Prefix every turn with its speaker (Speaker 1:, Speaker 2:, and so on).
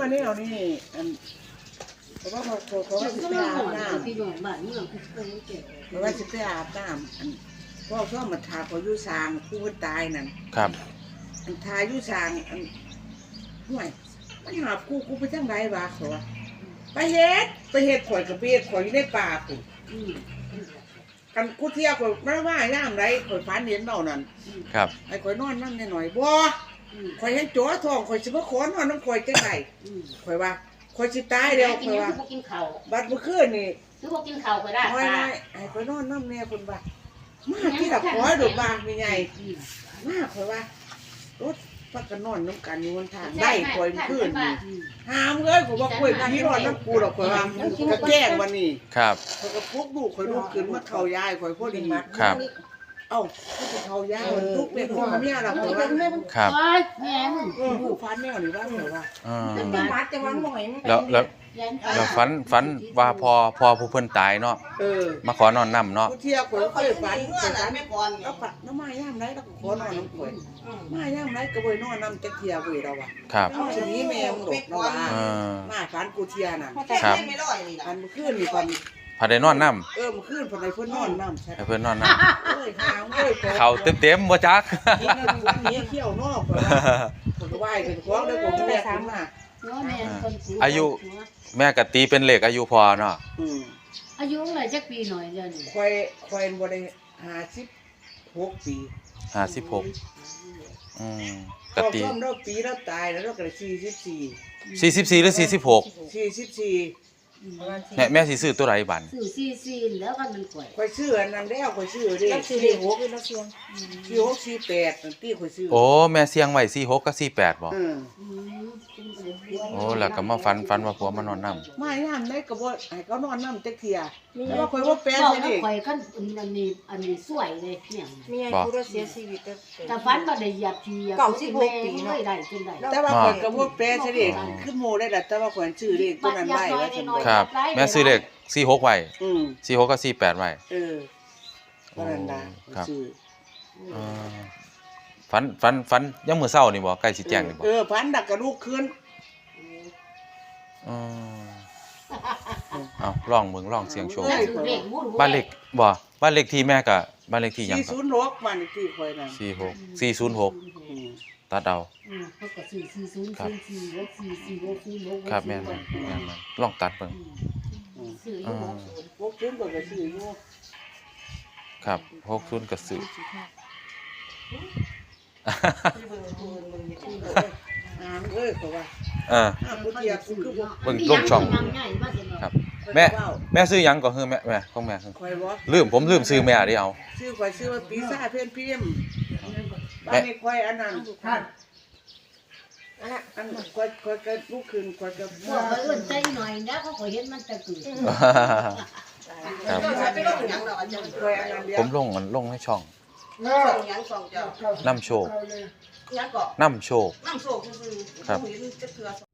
Speaker 1: มาเนี่ยเอานี่เพราะว่าเขาว่าสิไปอาบน้ำ
Speaker 2: ที่โรงพยาบาลนี่เราเคยเก็บ
Speaker 1: เพราะว่าสิไปอาบน้ำพ่อชอบมาทาเขาอยู่สางผู้คนตายนั่น
Speaker 3: ครับ
Speaker 1: ทาอยู่สางห่วยมันหากูไปจังไรวะเขาว่าไปเฮ็ดข่อยกับเบียดข่อยอยู่ในป่ากูกันกูเที่ยวข่อยไม่ว่าย่ามไรข่อยฝันเห็นเบานั่น
Speaker 3: ครับ
Speaker 1: ไอ้ข่อยนอนนั่งหน่อยบ่ข่อยเห็นจ๋อทองข่อยสิบ่ขอนอนน้ำข่อยจังไรข่อยว่าข่อยสิตายเดียวข่อยว่า
Speaker 2: กินข้าว
Speaker 1: บัดเมื่อคืนนี่
Speaker 2: คือพวกกินข้าวก็ได้
Speaker 1: น้อยไอ้ข่อยนอนน้ำเนี่ยคนว่ามาที่ละขอดูบางมีไงมาข่อยว่ารถพักกันนอนน้ำกันอยู่บนทางได้ข่อยเมื่อคืนนี่หามเลยข่อยว่าข่อยพี่นอนน้ำกูหรอกข่อยว่ากระแกล้งวันนี้
Speaker 3: ครับ
Speaker 1: ข่อยก็พกลูกข่อยลูกขึ้นมาเข้ายายข่อยพอดี
Speaker 3: ครับ
Speaker 1: เอ้าก็เข้ายายลูกเป็นพ่อเมียเราข่อยว่า
Speaker 3: ครับ
Speaker 2: แม่มึง
Speaker 1: ผู้ฟันแนวนี่ว่าข่อยว่า
Speaker 3: อ่า
Speaker 1: เป็นมัดจะวางหน่อย
Speaker 3: แล้วฝันว่าพอผู้เพิ่นตายเนาะมาขอนอนนํเนาะ
Speaker 1: ผู้เที่ยวข่อยเคยฝันข่อยฝันแม่ก่อนแล้วฝันน้ำมาย่ามไรแล้วก็ขอนอนน้ำข่อยมาย่ามไรก็บ่นอนน้ำจักเที่ยวเว้ยเราว่า
Speaker 3: ครับ
Speaker 1: เอาสินี้แม่มึงดอกเราว่า มาฝันกูเที่ยน่ะ
Speaker 3: ครับ
Speaker 1: อันเมื่อคืนนี่ฝัน
Speaker 3: พาได้นอนนํ
Speaker 1: เมื่อคืนฝันไอ้เพิ่นนอนน้ำใช่
Speaker 3: ให้เพิ่นนอนนํ
Speaker 1: เอ้ยหางเอ้ย
Speaker 3: เขาเต็มๆบ่จัก
Speaker 1: กินแล้วอยู่วันนี้เที่ยวนอกข่อยว่าข่อยก็ไหว้ขึ้นฟ้องแล้วผมก็แลกขึ้นมา
Speaker 3: แม่ก็ตีเป็นเลขอายุพอเนาะ
Speaker 2: อายุอะไรจักปีหน่อยเดี๋ยวนี้
Speaker 1: ควายบ่ได้56 ปี
Speaker 3: 56อืม
Speaker 1: ก็
Speaker 3: ก็ตี
Speaker 1: ต้มเราปีเราตายแล้วเราก็ได้44
Speaker 3: 44หรือ46
Speaker 1: 44
Speaker 3: แม่สิซื้อตัวใดบัด
Speaker 2: สื่อซีแล้วกันมันก่อย
Speaker 1: ข่อยซื้ออันนั้นแล้วข่อยซื้อเด้46แล้วเสียง46 48นั่นที่ข่อยซื้อ
Speaker 3: โอ้แม่เสียงไว้46กับ48บ่โอ้แล้วก็มาฝันว่าผัวมานอนนํ
Speaker 1: มายามได้ก็บ่ให้เขานอนนำจักเที่ยแต่ว่าข่อยบ่แปล
Speaker 2: บอก
Speaker 1: ใช่
Speaker 2: แล้ว
Speaker 1: ดิ
Speaker 2: ข่อยกันอันนี้สวยเลยเนี่ย
Speaker 4: มีไอ้ผู้เสียชีวิต
Speaker 2: แต่ฟันก็ได้เหยียบทีไม่ได้จนได้
Speaker 1: แต่ว่าข่อยก็บ่แปลใช่ดิคือหมู่ได้ล่ะแต่ว่าข่อยซื้อเลขตัวนั้นไว้ว่าซั่นบ่
Speaker 3: ครับ แม่ซื้อเลข46ไว้ 46กับ48ไว้
Speaker 1: ว่านั่นล่ะซื้อ
Speaker 3: ฝันยังมื้อเช้านี่บ่ใกล้สิแจ้งนี่บ่
Speaker 1: พันดักกระลูกคืน
Speaker 3: เอาลองเสียงโชว์บ้านเลขบ่บ้านเลขที่แม่ก็บ้านเลขที่หยังครับ
Speaker 1: 406บ้านเลขที่ข่อยน่ะ
Speaker 3: 406ตัดเอา
Speaker 2: เขาก็ซื้อ4044
Speaker 3: ครับแม่นลองตัดเบิ่ง
Speaker 2: ซื้ออยู่
Speaker 1: 60ก็ซื้ออยู่
Speaker 3: ครับ60ก็ซื้อ
Speaker 1: เอ้ยก็ว่า บ่เทียบคือบ่
Speaker 3: เบิ่งลงช่องครับแม่ซื้อหยังก็คือแม่ของแม่คือ
Speaker 1: ข่อยบ่
Speaker 3: ผมลืมซื้อแม่ดิเอา
Speaker 1: ชื่อข่อยชื่อว่าปีซ่าเพิ่นพิมพ์บ้านนี้ข่อยอันนั้นอันข่อยก็ลูกขึ้นข่อยก็
Speaker 2: พวกอื่นใจหน่อยนะเขาก็เห็นมันจะเกิด
Speaker 3: ครับ
Speaker 1: ข่อยอันนั้นเดียว
Speaker 3: ผมลงในช่องนำโชค
Speaker 1: ยังก็
Speaker 3: นำโชค
Speaker 1: น้ำโศกซื่อๆ
Speaker 3: ครับ
Speaker 1: เห็นจะเทื่อ